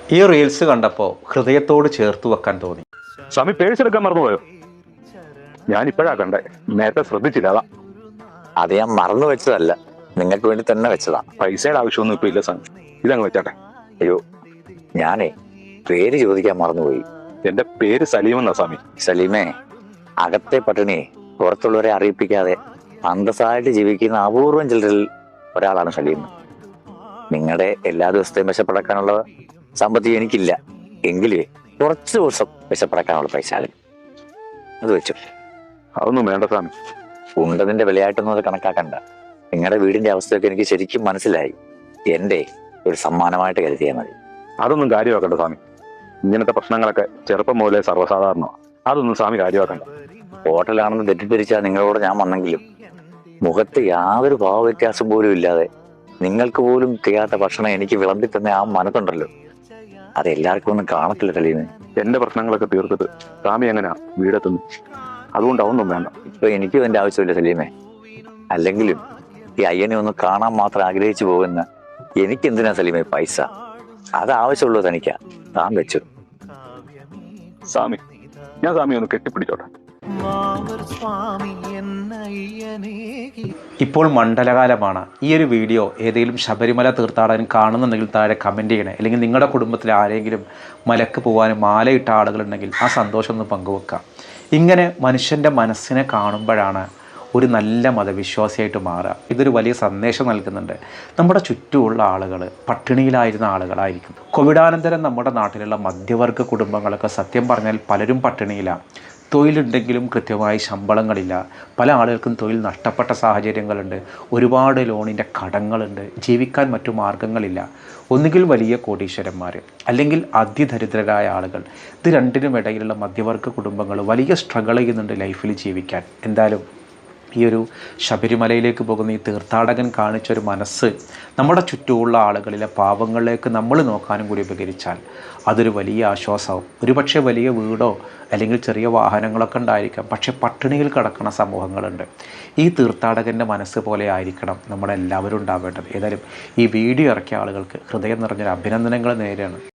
ഈ റീൽസ് കണ്ടപ്പോൾ ഹൃദയത്തോട് ചേർത്ത് വെക്കാൻ തോന്നി. സ്വാമി പേഴ്സ് എടുക്കാൻ മറന്നുപോയോ? ഞാൻ ഇപ്പോഴാ കണ്ടേ, നേരത്തെ ശ്രദ്ധിച്ചില്ല. അതാ. അത് ഞാൻ മറന്നു വെച്ചതല്ല, നിങ്ങൾക്ക് വേണ്ടി തന്നെ വെച്ചതാ. പൈസയുടെ ആവശ്യമൊന്നും ഇപ്പൊ ഇല്ല സ്വാമി, ഇതങ്ങ് വെച്ചാട്ടെ. അയ്യോ, ഞാനേ പേര് ചോദിക്കാൻ മറന്നുപോയി. എന്റെ പേര് സലീം എന്നാ സ്വാമി. സലീമേ, അകത്തെ പട്ടിണിയെ പുറത്തുള്ളവരെ അറിയിപ്പിക്കാതെ അന്തസ്സായിട്ട് ജീവിക്കുന്ന അപൂർവം ചിലരിൽ ഒരാളാണ് സലീം. നിങ്ങളുടെ എല്ലാ ദിവസത്തെയും വിശപ്പടക്കാനുള്ള സാമ്പത്തികം എനിക്കില്ല, എങ്കിലേ കുറച്ച് ദിവസം വിശപ്പടക്കാനുള്ള പൈസ അത് വെച്ചു. അതൊന്നും വേണ്ട സ്വാമി. ഉണ്ടതിന്റെ വിലയായിട്ടൊന്നും അത് കണക്കാക്കണ്ട. നിങ്ങളുടെ വീടിന്റെ അവസ്ഥയൊക്കെ എനിക്ക് ശരിക്കും മനസ്സിലായി. എന്റെ ഒരു സമ്മാനമായിട്ട് കരുതിയാൽ മതി. അതൊന്നും കാര്യമാക്കണ്ട സ്വാമി. ഇങ്ങനത്തെ പ്രശ്നങ്ങളൊക്കെ ചെറുപ്പം മുതലേ സർവ്വസാധാരണമാണ്. അതൊന്നും സ്വാമി കാര്യമാക്കണ്ട. ഹോട്ടലാണെന്ന് തെറ്റിദ്ധരിച്ചാൽ നിങ്ങളോട് ഞാൻ വന്നെങ്കിലും മുഖത്ത് യാതൊരു ഭാവവ്യത്യാസം പോലും ഇല്ലാതെ നിങ്ങൾക്ക് പോലും ചെയ്യാത്ത ഭക്ഷണം എനിക്ക് വിളമ്പി തന്നെ ആ മനസ്സുണ്ടല്ലോ, അത് എല്ലാവർക്കും ഒന്നും കാണത്തില്ല സലീമേ. എന്റെ പ്രശ്നങ്ങളൊക്കെ തീർത്തിട്ട് സ്വാമി എങ്ങനെയാ വീടെത്തുന്നു? അതുകൊണ്ട് അതൊന്നും വേണ്ട. ഇപ്പൊ എനിക്കും എന്റെ ആവശ്യമില്ല സലീമേ. അല്ലെങ്കിലും ഈ അയ്യനെ ഒന്ന് കാണാൻ മാത്രം ആഗ്രഹിച്ചു പോകുന്ന എനിക്കെന്തിനാ സലീമേ പൈസ? അത് ആവശ്യമുള്ളത് തനിക്കാ, താൻ വെച്ചു. സ്വാമി, ഞാൻ സ്വാമി ഒന്ന് കെട്ടിപ്പിടിച്ചോട്ടെ. ഇപ്പോൾ മണ്ഡലകാലമാണ്. ഈ ഒരു വീഡിയോ ഏതെങ്കിലും ശബരിമല തീർത്ഥാടകൻ കാണുന്നുണ്ടെങ്കിൽ താഴെ കമൻറ്റ് ചെയ്യണേ. അല്ലെങ്കിൽ നിങ്ങളുടെ കുടുംബത്തിൽ ആരെങ്കിലും മലക്ക് പോകാനും മാലയിട്ട ആളുകളുണ്ടെങ്കിൽ ആ സന്തോഷം ഒന്ന് പങ്കുവെക്കാം. ഇങ്ങനെ മനുഷ്യൻ്റെ മനസ്സിനെ കാണുമ്പോഴാണ് ഒരു നല്ല മതവിശ്വാസിയായിട്ട് മാറുക. ഇതൊരു വലിയ സന്ദേശം നൽകുന്നുണ്ട്. നമ്മുടെ ചുറ്റുമുള്ള ആളുകൾ പട്ടിണിയിലായിരുന്ന ആളുകളായിരിക്കും. കോവിഡാനന്തരം നമ്മുടെ നാട്ടിലുള്ള മധ്യവർഗ കുടുംബങ്ങളൊക്കെ സത്യം പറഞ്ഞാൽ പലരും പട്ടിണിയിലാണ്. തൊഴിലുണ്ടെങ്കിലും കൃത്യമായി ശമ്പളങ്ങളില്ല. പല ആളുകൾക്കും തൊഴിൽ നഷ്ടപ്പെട്ട സാഹചര്യങ്ങളുണ്ട്. ഒരുപാട് ലോണിൻ്റെ കടങ്ങളുണ്ട്. ജീവിക്കാൻ മറ്റു മാർഗങ്ങളില്ല. ഒന്നുകിൽ വലിയ കോടീശ്വരന്മാർ, അല്ലെങ്കിൽ അതിദരിദ്രരായ ആളുകൾ. ഇത് രണ്ടിനും ഇടയിലുള്ള മധ്യവർഗ കുടുംബങ്ങൾ വലിയ സ്ട്രഗിൾ ചെയ്യുന്നുണ്ട് ലൈഫിൽ ജീവിക്കാൻ. എന്തായാലും ഈ ഒരു ശബരിമലയിലേക്ക് പോകുന്ന ഈ തീർത്ഥാടകൻ കാണിച്ചൊരു മനസ്സ് നമ്മുടെ ചുറ്റുമുള്ള ആളുകളിലെ പാവങ്ങളിലേക്ക് നമ്മൾ നോക്കാനും കൂടി ഉപകരിച്ചാൽ അതൊരു വലിയ ആശ്വാസമാവും. ഒരുപക്ഷെ വലിയ വീടോ അല്ലെങ്കിൽ ചെറിയ വാഹനങ്ങളൊക്കെ ഉണ്ടായിരിക്കാം, പക്ഷേ പട്ടിണിയിൽ കിടക്കുന്ന സമൂഹങ്ങളുണ്ട്. ഈ തീർത്ഥാടകൻ്റെ മനസ്സ് പോലെ ആയിരിക്കണം നമ്മളെല്ലാവരും ഉണ്ടാവേണ്ടത്. ഏതായാലും ഈ വീഡിയോ ഇറക്കിയ ആളുകൾക്ക് ഹൃദയം നിറഞ്ഞൊരു അഭിനന്ദനങ്ങൾ നേരെയാണ്.